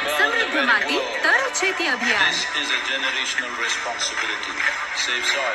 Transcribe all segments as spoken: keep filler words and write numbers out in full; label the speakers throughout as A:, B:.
A: समृद्ध माती तर शेती अभियान.
B: This is a generational responsibility. Save soil.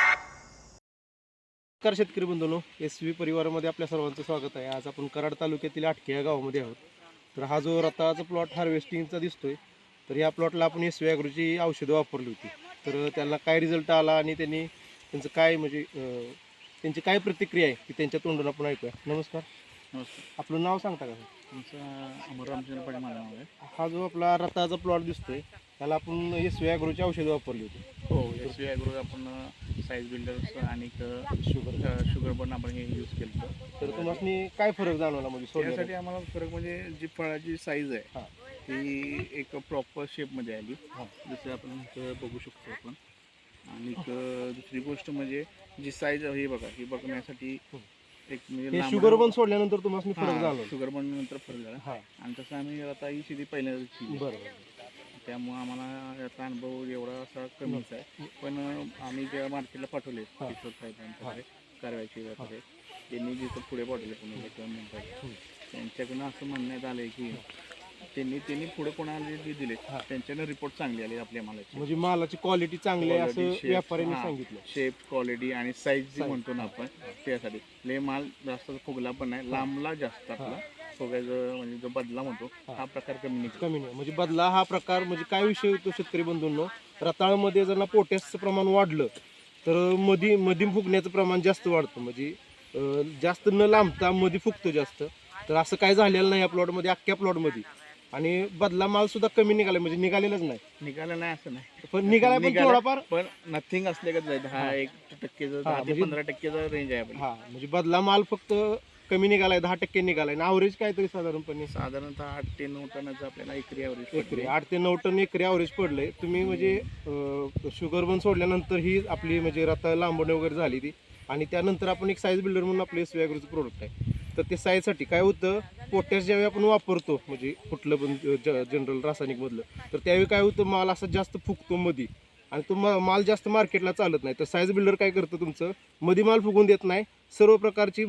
C: नमस्कार शेतकरी बंधूंनो, एस व्ही परिवारामध्ये आपल्या सर्वांचं स्वागत आहे. आज आपण कराड तालुक्यातील आटके या गावामध्ये आहोत. तर हा जो रताळाचा प्लॉट हार्वेस्टिंगचा दिसतोय, तर या प्लॉटला आपण एस व्ही ॲग्रोची औषधं वापरली होती. तर त्याला काय रिझल्ट आला आणि त्यांनी त्यांचं काय म्हणजे त्यांची काय प्रतिक्रिया आहे ती त्यांच्या तोंडून आपण ऐकूया. नमस्कार.
D: नमस्कार.
C: आपलं नाव सांगता का?
D: तुमचं अमर रामचंद्र पाटील माझं नाव आहे.
C: हा जो आपला रताळाचा प्लॉट दिसतोय त्याला आपण एस व्ही ॲग्रोची औषधं वापरली होती.
D: हो, एस व्ही ॲग्रो आपण साईज बिल्डर्स आणि
C: शुगर
D: शुगर पण आपण हे यूज केलं.
C: तर तुम्हाला काय फरक जाणवला म्हणजे
D: त्यासाठी
C: सोडण्यासाठी?
D: आम्हाला फरक म्हणजे जी फळाची साईज आहे
C: हां
D: ती एक प्रॉपर शेपमध्ये आली,
C: हां
D: जसं आपण इथं बघू शकतो आपण. आणि एक दुसरी गोष्ट म्हणजे जी साईज हे बघा, ही बघण्यासाठी एक म्हणजे
C: हे
D: लांब-
C: शुगर पण सोडल्यानंतर तुम्हाला फरक
D: हां,
C: जाणवला?
D: शुगर पण नंतर फरक झाला.
C: हां
D: आणि तसं आम्ही आता ही शेती पहिल्यांदाच केली.
C: बरोबर.
D: त्यामुळं आम्हाला याचा अनुभव एवढा असा कमीच आहे. पण आम्ही जेव्हा मार्केटला पाठवले
C: हां.
D: किशोर साहेबांकडे कारवाईची वगैरे, त्यांनी जिथं पुढे पाठवले पुण्याला किंवा मुंबईला, त्यांच्याकडून असं म्हणण्यात आलं आहे की त्यांनी त्यांनी पुढे कोणाला जे दिले
C: हां.
D: त्यांच्यानं रिपोर्ट चांगली आली आपल्या मालाची.
C: म्हणजे मालाची क्वालिटी चांगली आहे असं व्यापाऱ्यांनी सांगितलं.
D: शेप, क्वालिटी आणि साईज जी म्हणतो ना आपण, त्यासाठी ले माल जास्त फुगला पण नाही, लांबला जास्त आपला फुगायचं म्हणजे जो बदला म्हणतो हा प्रकार कमी निघतो.
C: कमी नाही म्हणजे बदला हा प्रकार म्हणजे काय विषय होतो शेतकरी बंधूंनो, रताळमध्ये जर ना पोटॅशचं प्रमाण वाढलं तर मधी मधी फुगण्याचं प्रमाण जास्त वाढतं. म्हणजे अं, जास्त न लांबता मधी फुगतो जास्त. तर असं काय झालेलं नाही या प्लॉटमध्ये, अख्ख्या प्लॉटमध्ये. आणि बदला माल सुद्धा कमी निघाला, म्हणजे निघालेलाच नाही.
D: निघालं नाही असं नाही,
C: पण निघाला पण
D: निघाला,
C: थोडाफार,
D: पण नथिंग असले का जाईल. हा एक टक्केचं दहा ते
C: म्हणजे-
D: पंधरा टक्केचा रेंज आहे आपली.
C: हा म्हणजे बदला माल फक्त कमी निघालाय, दहा टक्के निघालाय. आणि ॲव्हरेज काहीतरी साधारणपणे
D: साधारणतः आठ ते नऊ टनाचं आपल्याला एकरी ॲव्हरेज
C: एकरी आठ ते नऊ टन एकरी ॲव्हरेज पडलंय. तुम्ही म्हणजे शुगर बन सोडल्यानंतर ही आपली म्हणजे रताळ लांबणे वगैरे झाली ती. आणि त्यानंतर आपण एक साईज बिल्डर म्हणून आपले एस व्ही ॲग्रोचं प्रोडक्ट आहे. तर ते साईजसाठी काय होतं, पोटॅश ज्यावेळी आपण वापरतो म्हणजे कुठलं पण जनरल रासायनिकमधलं, तर त्यावेळी काय होतं, माल असा जास्त फुगतो मधी आणि तो मा माल जास्त मार्केटला चालत नाही. तर साईज बिल्डर काय करतं, तुमचं मधी माल फुगून देत नाही, सर्व प्रकारची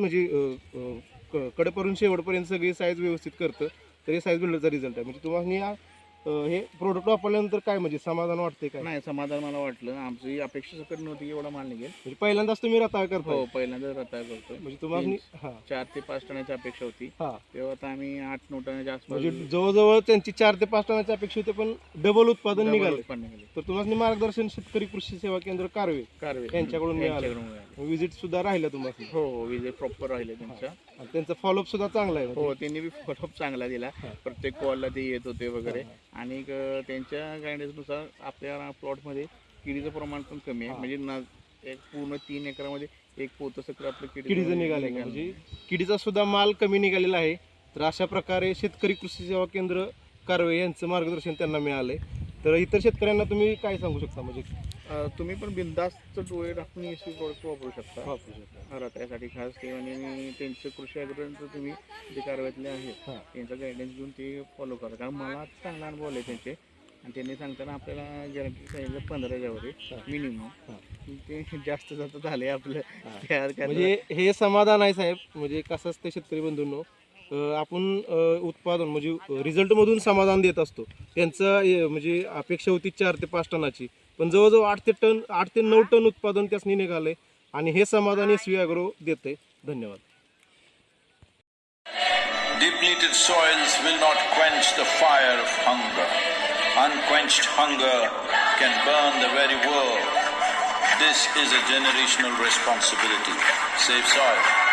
C: म्हणजे कडेपर्यंत शेवटपर्यंत सगळी साईज व्यवस्थित करतं. तर हे साईज बिल्डरचा रिझल्ट आहे. म्हणजे तुम्हाला हे प्रोडक्ट वापरल्यानंतर काय म्हणजे समाधान वाटते काय?
D: नाही, समाधान मला वाटलं. आमची अपेक्षा सकट नव्हती की एवढा माल निघेल.
C: म्हणजे पहिल्यांदाच तुम्ही रताळ करता?
D: हो, पहिल्यांदाच रताळ करतो.
C: म्हणजे तुम्हाला हां
D: चार ते पाच टनाची अपेक्षा होती,
C: हां
D: तेव्हा आता आम्ही आठ नऊ टनाच्या आसपास
C: म्हणजे जवळजवळ त्यांची चार ते पाच टनाची अपेक्षा होती, पण डबल उत्पादन
D: double
C: निघाले.
D: उत्पन्न निघाले.
C: तर तुम्हाला मार्गदर्शन शेतकरी कृषी सेवा केंद्र कारवे
D: कारवे
C: यांच्याकडून मिळालं.
D: यांच्याकडून मिळालं.
C: विजिट सुद्धा राहिलं तुम्हाला?
D: हो हो, विजय प्रॉपर राहिले त्यांच्या.
C: आणि त्यांचा फॉलोअप सुद्धा चांगला आहे.
D: हो, त्यांनी बी फॉलोअप चांगला दिला.
C: हां.
D: प्रत्येक कॉलला ते येत होते वगैरे. आणि एक, अं, त्यांच्या गायडन्सनुसार आपल्या प्लॉटमध्ये किडीचं प्रमाण पण कमी आहे.
C: हां.
D: म्हणजे ना एक पूर्ण तीन एकरामध्ये एक पोतं सकट आपलं
C: किडीचं निघाले, म्हणजे किडीचा सुद्धा माल कमी निघालेला आहे. तर अशा प्रकारे शेतकरी कृषी सेवा केंद्र कारवे यांचं मार्गदर्शन त्यांना मिळालंय. तर इतर शेतकऱ्यांना तुम्ही काय सांगू शकता? म्हणजे
D: अं, तुम्ही पण बिंदास्त डोळे टाकून एस सी प्रोडक्ट वापरू शकता
C: वापरू शकता.
D: रताळ्यासाठी खास ते. आणि त्यांचं कृषी अग्रंथ तुम्ही जे कारवाईतले आहेत
C: हां
D: त्यांचा गायडन्स घेऊन ते फॉलो करा. कारण मला चांगला अनुभव आले त्यांचे. आणि त्यांनी सांगताना आपल्याला गॅरंटी सांगितलं पंधराच्या वर मिनिमम. ते जास्त जास्त झाले आपलं. त्या काय
C: म्हणजे हे समाधान आहे साहेब. म्हणजे कसं असतं शेतकरी बंधूंनो, अं, आपण अं, उत्पादन म्हणजे रिझल्टमधून समाधान देत असतो. त्यांचं अं, म्हणजे अपेक्षा होती चार ते पाच टनाची, पण जवळजवळ आठ ते टन आठ ते नऊ टन उत्पादन त्यासनी निघालंय. आणि हे समाधान एस व्ही ॲग्रो देते. धन्यवाद.
B: Depleted soils will not quench the fire of hunger. Unquenched hunger can burn the very world. This is a generational responsibility. Save soil.